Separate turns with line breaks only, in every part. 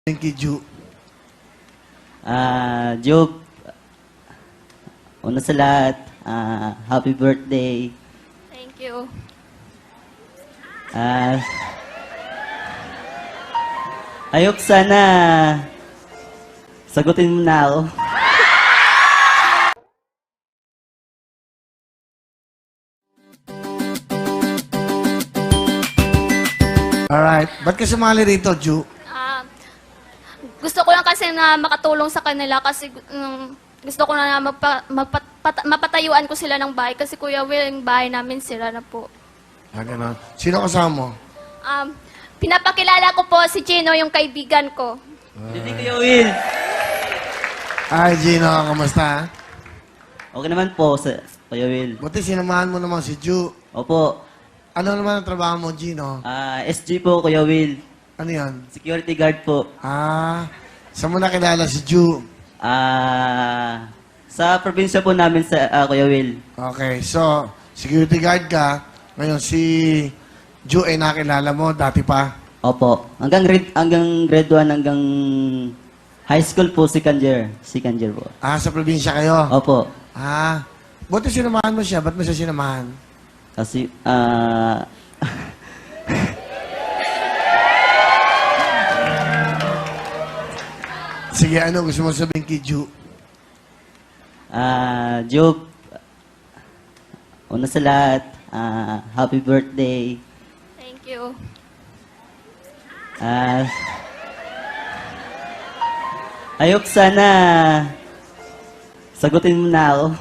Thank you, Ju.
Joke, una sa lahat, happy birthday.
Thank you.
Ayok sana sagutin mo na ako.
Alright. Ba't ka sumali rito, Ju?
Gusto ko lang kasi na makatulong sa kanila kasi gusto ko na mapatayuan ko sila ng bahay kasi Kuya Will, yung bahay namin sila na po.
Ganun. Sino kasama mo?
Pinapakilala ko po si Gino, yung kaibigan ko.
Hindi Kuya Will.
Ay, Gino, kamusta?
Okay naman po, Kuya Will.
Buti sinamahan mo naman si Ju.
Opo.
Ano naman ang trabaho mo, Gino?
SG po, Kuya Will.
Ano yan?
Security guard po.
Saan mo nakilala si Ju?
Sa probinsya po namin sa Kuya Will.
Okay, so, security guard ka. Ngayon, si Ju ay nakilala mo dati pa.
Opo. Hanggang grade 1 hanggang high school po, second year. Second year po.
Sa probinsya kayo?
Opo.
Buti sinamahan mo siya. Ba't mo siya sinamahan?
Kasi,
Sige, ano gusto mo sabihin kay Ju?
Joke, una sa lahat, happy birthday.
Thank you.
Ayok sana sagutin mo na ako.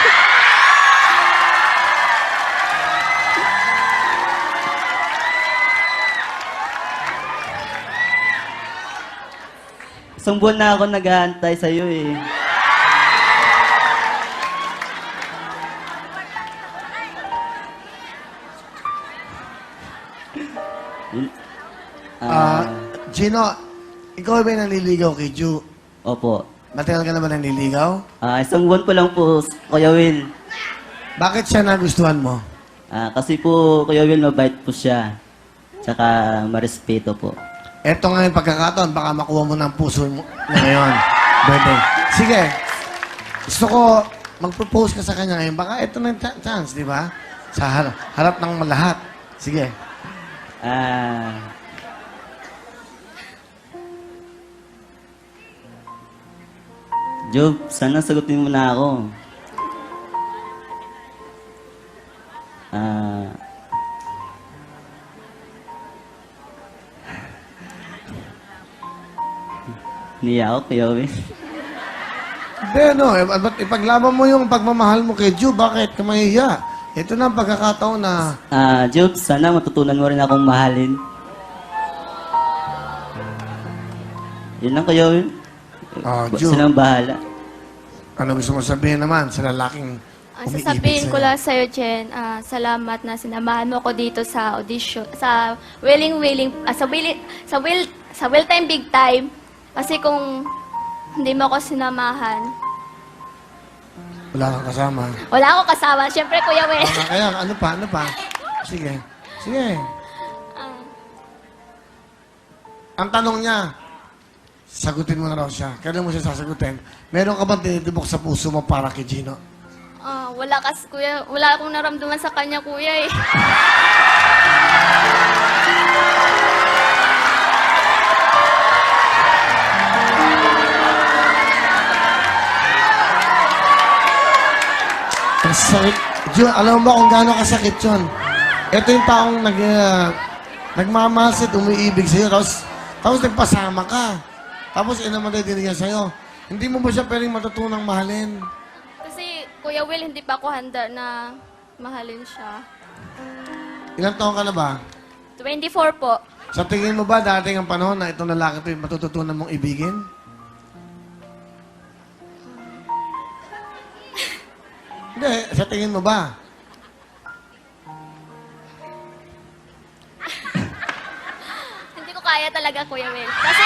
Isang buwan na ako nag-aantay sa'yo eh.
Gino, ikaw ba nanliligaw kay Ju?
Opo.
Matagal ka naman nanliligaw?
Isang buwan po lang po, Kuya Will.
Bakit siya nagustuhan mo?
Kasi po, Kuya Will, mabait po siya. Tsaka marespeto po.
Eto nga yung pagkakataon, baka makuha mo ng puso mo ngayon. Birthday. Sige. Gusto ko mag-propose ka sa kanya ngayon. Baka eto na yung chance, di ba? Sa harap ng lahat. Sige.
Job, sana sagutin mo na ako. Niya ako, Kuya Will.
Hindi, no. Ba't ipaglaban mo yung pagmamahal mo kay Ju? Bakit ka mahihiya? Ito na ang pagkakataon na...
Job, sana matutunan mo rin akong mahalin. Yun lang, Kuya Will.
Ju.
Silang bahala.
Ano gusto mo sabihin naman sa lalaking umiibig
Sasabihin ko
sa'yo?
lang sa'yo, Jen, salamat na sinamahan mo ko dito sa audition, sa Will Time Big Time. Kasi kung hindi mo ako sinamahan,
Wala kang kasama.
wala akong kasama. Siyempre, Kuya Will.
Kaya, ano pa? Sige. Sige. Ang tanong niya, sagutin mo na raw siya. Kailan mo siya sasagutin? Meron ka bang tinitibok sa puso mo para kay Gino?
Wala kasi, Kuya. Wala akong naramdaman sa kanya, Kuya, eh.
Ang sakit. Ju, alam mo ba kung gaano kasakit yun? Ito yung taong nagmamahal sa'yo, umiibig sa'yo, tapos nagpasama ka. Tapos naman din niya sa'yo. Hindi mo ba siya pwedeng matutunang mahalin?
Kasi, Kuya Will, hindi pa ako handa na mahalin siya.
Ilang taon ka na ba?
24 po.
Sa tingin mo ba dating ang panahon na itong lalaki ito matututunan mong ibigin? Hindi, sa tingin mo ba?
Hindi ko kaya talaga, Kuya Will. Kasi,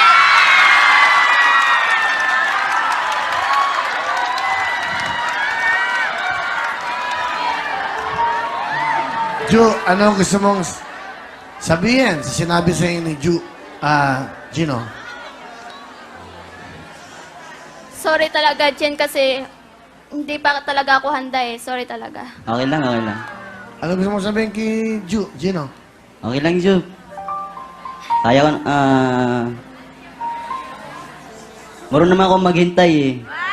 Ju, ano gusto mong sabihin sa sinabi sa inyo ni Ju, Gino?
Sorry talaga, Jen, kasi hindi pa talaga ako handa eh. Sorry talaga.
Okay lang, okay lang.
Ano gusto mo sabihin kay Gino?
Okay lang, Jub. Kaya ko, marunong naman ako maghintay eh.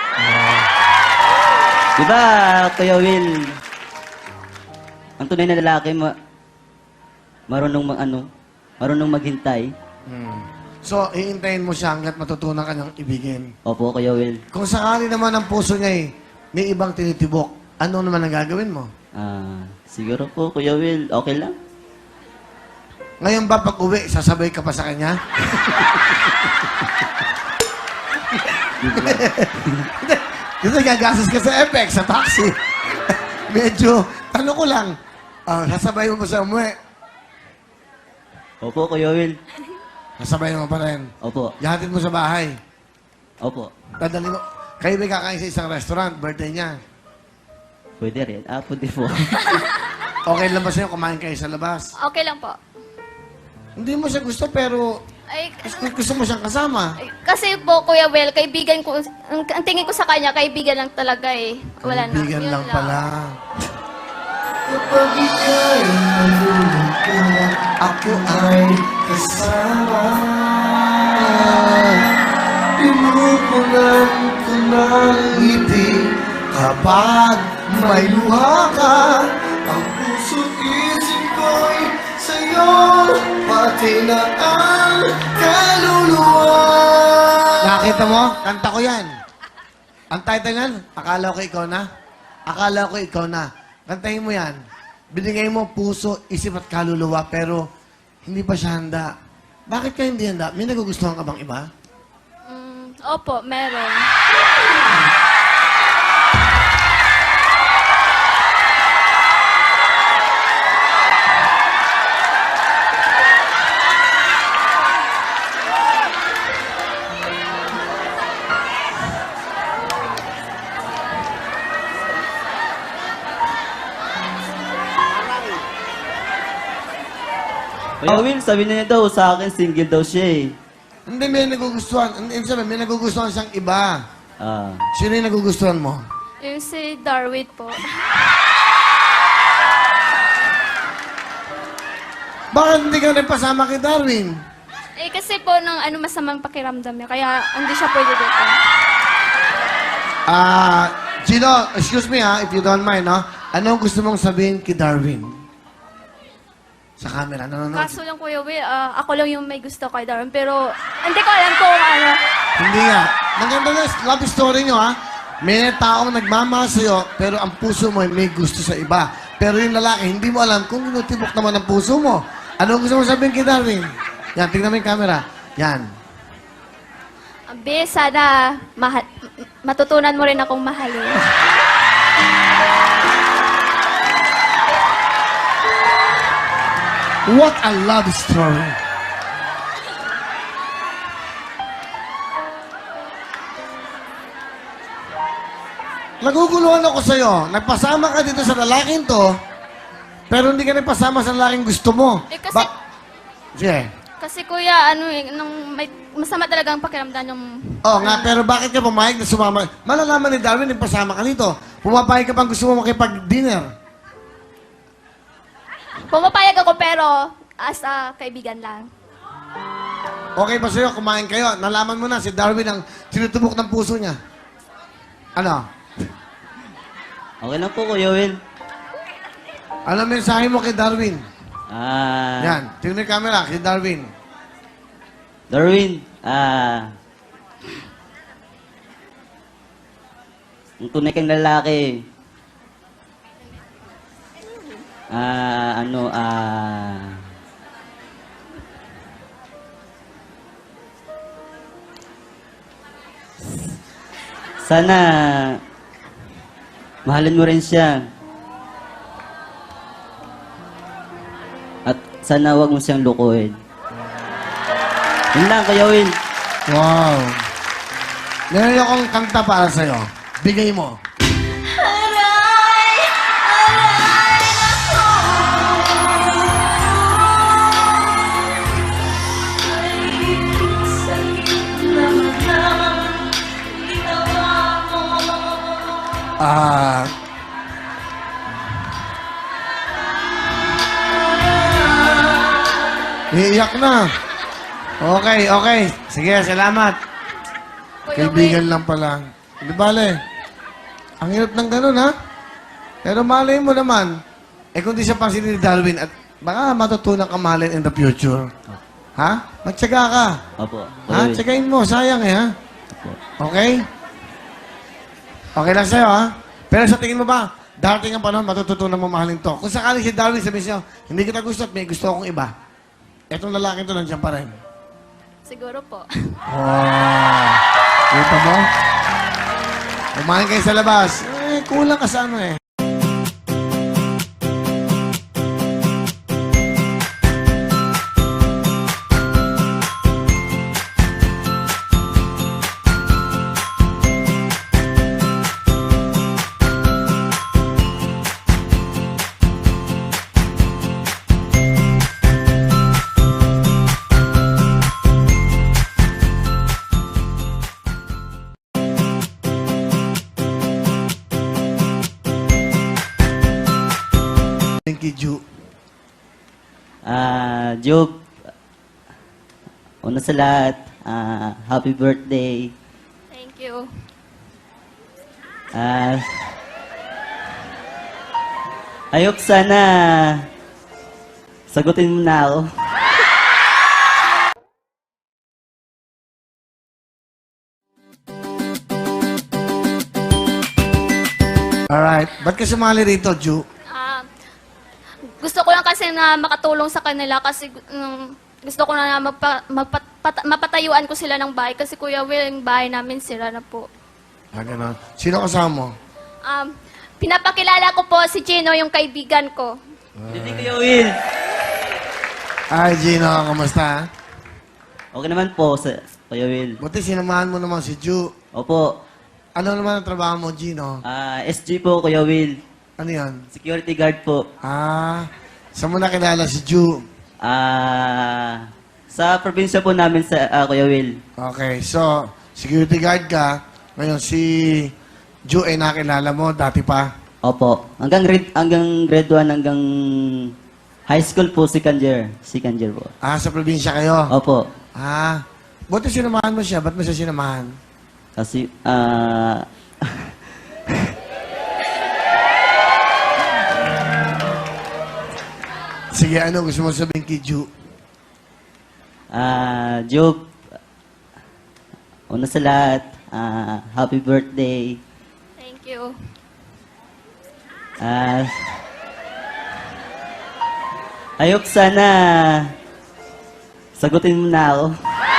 Diba, Kuya Will? Ang tunay na lalaki, marunong maghintay.
So, iintayin mo siya hanggat matutunan ka niyang ibigin.
Opo, Kuya Will.
Kung sakali naman ang puso niya may ibang tinitibok, ano naman ang gagawin mo?
Siguro po, Kuya Will, okay lang.
Ngayon ba pag uwi, sasabay ka pa sa kanya? Kasi gagastos ka sa FX, sa taxi. Medyo, tanong ko lang, sasabay mo ba sa umuwi?
Opo, Kuya Will.
Sasabay mo pa rin.
Opo.
Ihatid mo sa bahay.
Opo.
Dadali mo. Kayo may kakain sa isang restaurant, birthday niya.
Pwede rin. Pwede po.
Okay lang ba sa'yo kumain kayo sa labas?
Okay lang po.
Hindi mo siya gusto pero
Ay,
gusto mo siyang kasama.
kasi po, Kuya Will, kaibigan ko, ang tingin ko sa kanya, kaibigan lang talaga eh. Wala na.
Kaibigan
Yun
lang pala.
Kapag ika'y nalulog ka,
Ako ay
kasama. Pinupunan ko ng ngiti
kapag may luha ka.
ang puso't isip ko'y sa'yo, pati na ang kaluluwa.
Nakita mo? Kanta ko yan. Ang title yan, Akala ko ikaw na. Akala ko ikaw na. Kantahin mo yan. Binigay mo puso, isip at kaluluwa, pero hindi pa siya handa. Bakit ka hindi handa? May nagugustuhan ka bang iba?
Opo, meron.
Kuya Will, sabi niya daw sa akin, single daw siya eh.
Hindi, may nagugustuhan. Ibig sabihin, may nagugustuhan siyang iba. Sino yung nagugustuhan mo?
Yung si Darwin po.
Bakit hindi ka rin pasama kay Darwin?
Eh, kasi po, nung masamang pakiramdam niya, kaya hindi siya pwede dito.
Gino, excuse me if you don't mind, no? Ano gusto mong sabihin kay Darwin? Sa camera, nanonood.
Kaso lang, Kuya Will, ako lang yung may gusto kay Darwin, pero hindi ko alam kung ano.
Hindi nga. Maganda na love story nyo, ha? May taong nagmamahal sa'yo, pero ang puso mo ay may gusto sa iba. Pero yung lalaki, hindi mo alam kung tinutibok naman ang puso mo. Ano gusto mo sabihin kay Darwin? Yan, tingnan mo yung camera. Yan.
Be, sana matutunan mo rin akong mahalin.
What a love story. Naguguluhan ako sa'yo. Nagpasama ka dito sa lalaking to, pero hindi ka nagpasama sa lalaking gusto mo.
Eh, kasi-
Sige.
Kasi kuya, masama talaga ang pakiramdam ng...
Oo nga, pero bakit ka pumayag na sumama? Malalaman ni Darwin, nagpasama ka nito. Pumapayag ka pang gusto mo makipag-dinner.
Pumapayag ako pero as a kaibigan lang.
Okay ba sa'yo? Kumain kayo. Nalaman mo na si Darwin ang tinutubok ng puso niya. Ano?
Okay lang po, Kuya Will.
Ano mensahe mo kay Darwin?
Yan.
Tingnan mo yung camera, kay Darwin.
Darwin, ang tunay kang lalaki. Sana mahalin mo rin siya. At sana wag mo siyang lukuhin. Yun lang, Kuya Will.
Wow. Meron akong kanta para sa'yo. Bigay mo. Ah... Iiyak na. Okay, okay. Sige, salamat.
Kuya
Kaibigan
Will,
lang pala. Di bale. Ang hirap ng ganun, ha? Pero malay mo naman, kung di siya pansin ni Darwin, at baka matutunan ka mahalin in the future. Ha? Magtsaga ka.
Opo.
Ha?
Kuya Will.
Tsagain mo. Sayang ha?
Opo.
Okay? Okay lang sa'yo, ha? Pero sa tingin mo ba, darating ang panahon, matututunan mo mahalin to. Kung sakaling si Darwin sabihin sa'yo, hindi kita gusto at may gusto akong iba, etong lalaki to nandiyan pa rin.
siguro po.
Wow! Kita mo? Kumain kayo sa labas. Kulang ka sa ano eh. Thank you, Ju.
Job, una sa lahat, happy birthday.
Thank you.
Ayok sana sagutin mo na ako.
Alright. Ba't ka sumali rito, Ju?
Gusto ko lang kasi na makatulong sa kanila kasi gusto ko na mapatayuan ko sila ng bahay kasi Kuya Will, yung bahay namin sira na po.
Ganun. Sino kasama mo?
Pinapakilala ko po si Gino, yung kaibigan ko.
Hindi Kuya Will.
Ay, Gino, kamusta?
Okay naman po, Kuya Will.
Buti sinamahan mo naman si Ju.
Opo.
Ano naman ang trabaho mo, Gino?
SG po, Kuya Will.
Ano yan?
Security guard po.
Saan mo nakilala si Ju?
Sa probinsya po namin sa Kuya Will.
Okay, so, security guard ka. Ngayon, si Ju ay nakilala mo dati pa.
Opo. Hanggang grade 1 hanggang high school po, second year. Second year po.
Sa probinsya kayo?
Opo.
Buti sinamahan mo siya. Ba't mo siya sinamahan?
Kasi,
Sige, ano gusto mo sabihin kay Ju?
Job, una sa lahat, happy birthday.
Thank you.
Ayok sana sagutin mo na ako.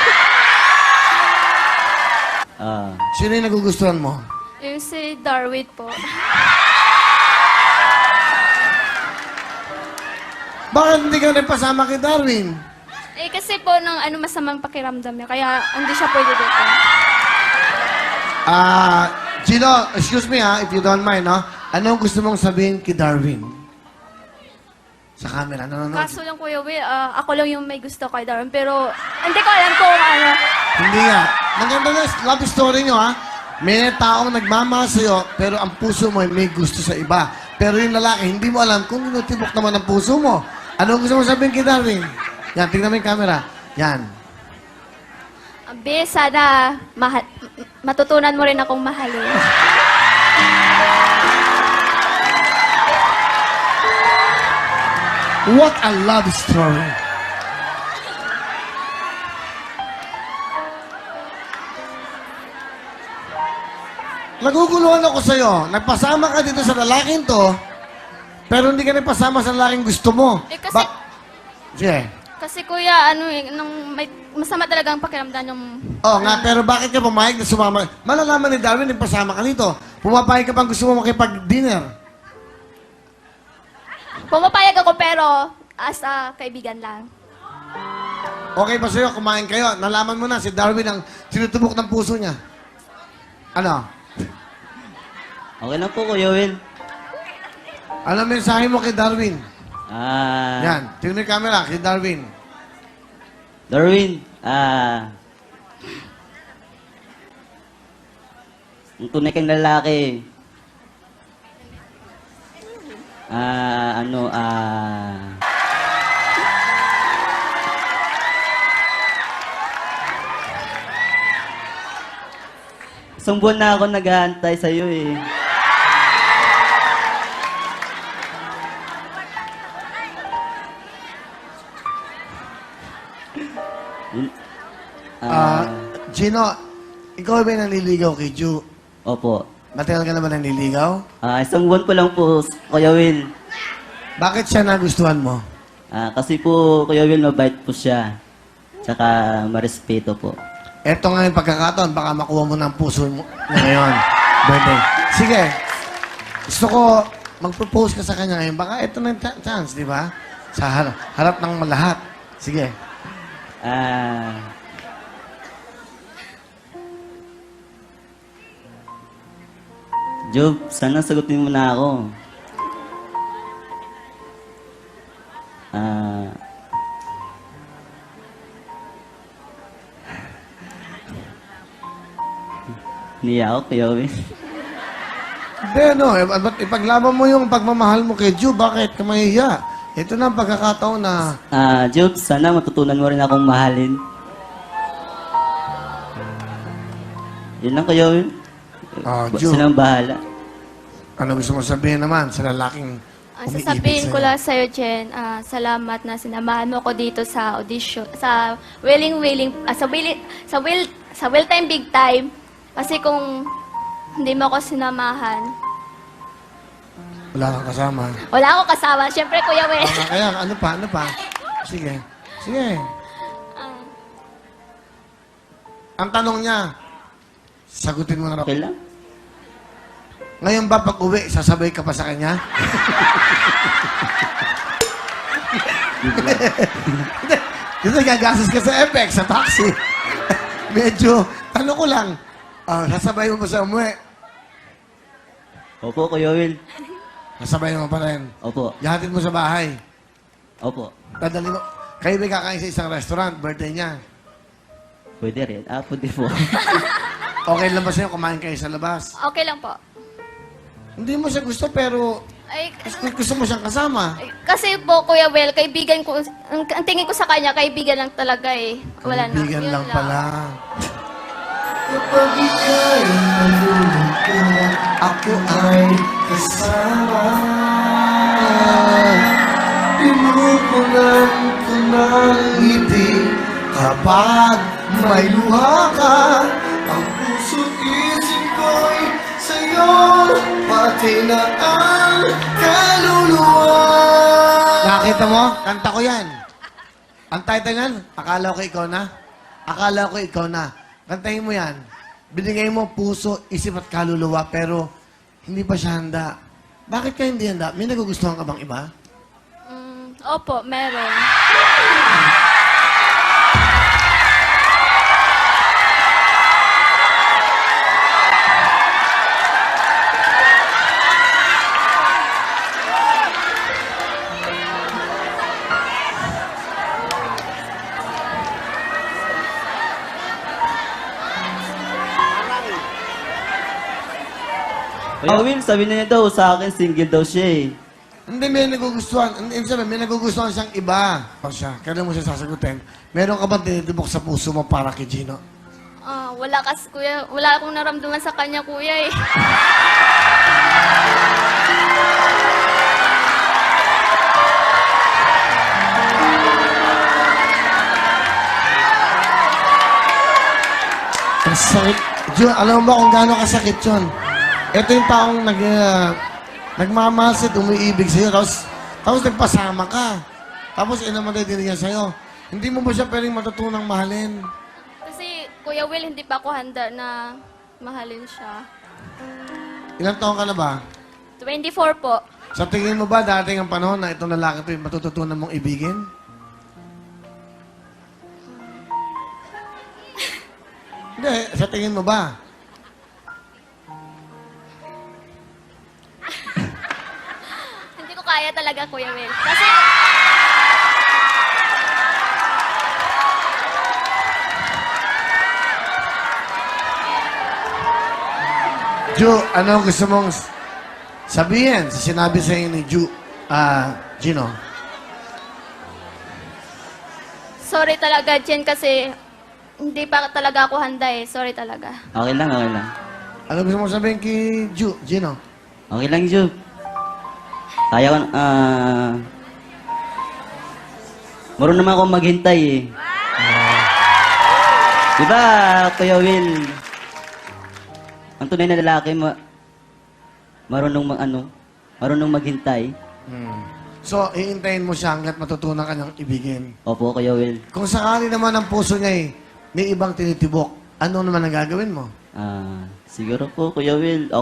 Sino yung nagugustuhan mo?
Yung si Darwin po.
Bakit hindi ka nagpasama kay Darwin?
Kasi po nung masamang pakiramdam niya, kaya hindi siya pwede dito.
Gino, excuse me if you don't mind, no? Anong gusto mong sabihin kay Darwin? Sa camera, no?
Kaso lang Kuya Will, ako lang yung may gusto kay Darwin, pero hindi ko alam kung ano.
Hindi nga. Maganda na love story nyo, ha? May taong nagmamahal sa'yo, pero ang puso mo ay may gusto sa iba. Pero yung lalaki, hindi mo alam kung tinutibok naman ang puso mo. Ano gusto mo sabihin kay Darwin? Yan, tingnan mo yung camera. Yan.
Be, sana matutunan mo rin akong mahalin.
What a love story. Naguguluhan ako sa'yo. Nagpasama ka dito sa lalaking to, pero hindi ka nagpasama sa lalaking gusto mo.
Kasi,
Sige.
kasi Kuya, masama talaga ang pakiramdam yung...
Oo nga, pero bakit ka pumayag na sumama? Malalaman ni Darwin, nagpasama ka dito. Pumapayag ka bang gusto mo makipag-dinner?
Pumapayag ako pero as a kaibigan lang.
Okay ba sa'yo? Kumain kayo. Nalaman mo na si Darwin ang sinutubok ng puso niya. Ano?
Okay lang po, Kuya Will.
Ano mensahe mo kay Darwin?
Ah,
Yan. Tingnan mo yung camera, kay Darwin.
Darwin, ang tunay kang lalaki, Ano, isang buwan na ako nag-aantay sa'yo eh. Yun-
Gino, ikaw ba nanliligaw kay Ju?
Opo.
Matagal ka na ba nanliligaw?
Isang buwan po lang po, Kuya Will.
Bakit siya nagustuhan mo?
Kasi po, Kuya Will, mabait po siya. Tsaka marespeto po.
Eto nga yung pagkakataon, baka makuha mo ng puso mo na ngayon. Birthday. Sige. Gusto ko mag-propose ka sa kanya ngayon. Baka eto na yung chance, di ba? Sa harap ng lahat. Sige.
Job, sana sagutin mo na ako. Niya ako, Kuya Will.
Hindi, no. Ba't ipaglaban mo yung pagmamahal mo kay Ju? Bakit ka mahiya? Ito na ang pagkakataon na...
Job, sana matutunan mo rin akong mahalin. Yun lang, Kuya Will.
Ju,
Silang bahala.
ano gusto mo sabihin naman sa lalaking umiibig
Sasabihin ko
sa'yo?
lang sa'yo, Jen, salamat na sinamahan mo ko dito sa audition, sa sa Will Time Big Time. Kasi kung hindi mo ako sinamahan,
Wala kang kasama.
wala akong kasama. Siyempre, Kuya Will.
Kaya, ano pa? Ano pa? Sige. Sige. Ang tanong niya, sagutin mo na raw.
Okay lang?
Ngayon ba pag uwi, sasabay ka pa sa kanya? Kasi gagastos ka sa FX, sa taxi. Medyo, tanong ko lang, sasabay mo ba sa umuwi?
Opo, Kuya Will.
Sasabay mo pa rin.
Opo.
Yahatid mo sa bahay.
Opo.
Dadali mo. Kayo ba kakain sa isang restaurant, birthday niya?
Pwede rin. Pwede po.
Okay lang ba sa'yo kumain kayo sa labas?
Okay lang po.
Hindi mo siya gusto, pero
Ay,
gusto mo siyang kasama.
kasi po, Kuya Will, kaibigan ko, ang tingin ko sa kanya, kaibigan lang talaga eh. Wala na.
Kaibigan
Yun
lang pala.
Kapag ika'y nalulungkot, ako ay kasama. Pinupunan ko ng ngiti kapag may luha ka. Ang puso't isip ko'y sa'yo, pati na ang kaluluwa.
Nakita mo? Kanta ko yan. Ang title yan, akala ko ikaw na. Akala ko ikaw na. Kantahin mo yan. Binigay mo puso, isip at kaluluwa, pero hindi pa siya handa. Bakit ka hindi handa? May nagugustuhan ka bang iba?
Opo, meron.
Kuya Will, sabi na niya daw sa akin, single daw siya eh.
Hindi, may nagugustuhan. Hindi sabihin, may nagugustuhan siyang iba. O siya, kailan mo siya sasagutin? Meron ka bang tinitibok sa puso mo para kay Gino?
Wala kasi, Kuya. Wala akong naramdaman sa kanya, Kuya eh.
Ang sakit. Jun, alam mo ba kung gaano kasakit yun? Ito yung taong nagmamahal sa'yo, umiibig sa'yo, tapos nagpasama ka. Tapos inamatay din niya sa'yo. Hindi mo ba siya pwedeng matutunang mahalin?
Kasi, Kuya Will, hindi pa ako handa na mahalin siya.
Ilang taon ka na ba?
24 po.
Sa tingin mo ba dating ang panahon na itong lalaki ito yung matututunan mong ibigin? Hindi, sa tingin mo ba?
Hindi ko kaya talaga, Kuya Will. Kasi,
Ju, ano gusto mong sabihin sa sinabi sa inyo ni Ju? Gino.
Sorry talaga, Jen, kasi hindi pa talaga ako handa eh. Sorry talaga.
Okay lang, okay lang.
Ano gusto mo sabihin kay Gino?
Okay lang, Ju. Kaya ko, marunong naman ako maghintay eh. Diba, Kuya Will? Ang tunay na lalaki, marunong maghintay.
So, iintayin mo siya hanggat matutunan ka niyang ibigin.
Opo, Kuya Will.
Kung sakali naman ang puso niya may ibang tinitibok, ano naman ang gagawin mo?
Siguro po, Kuya Will,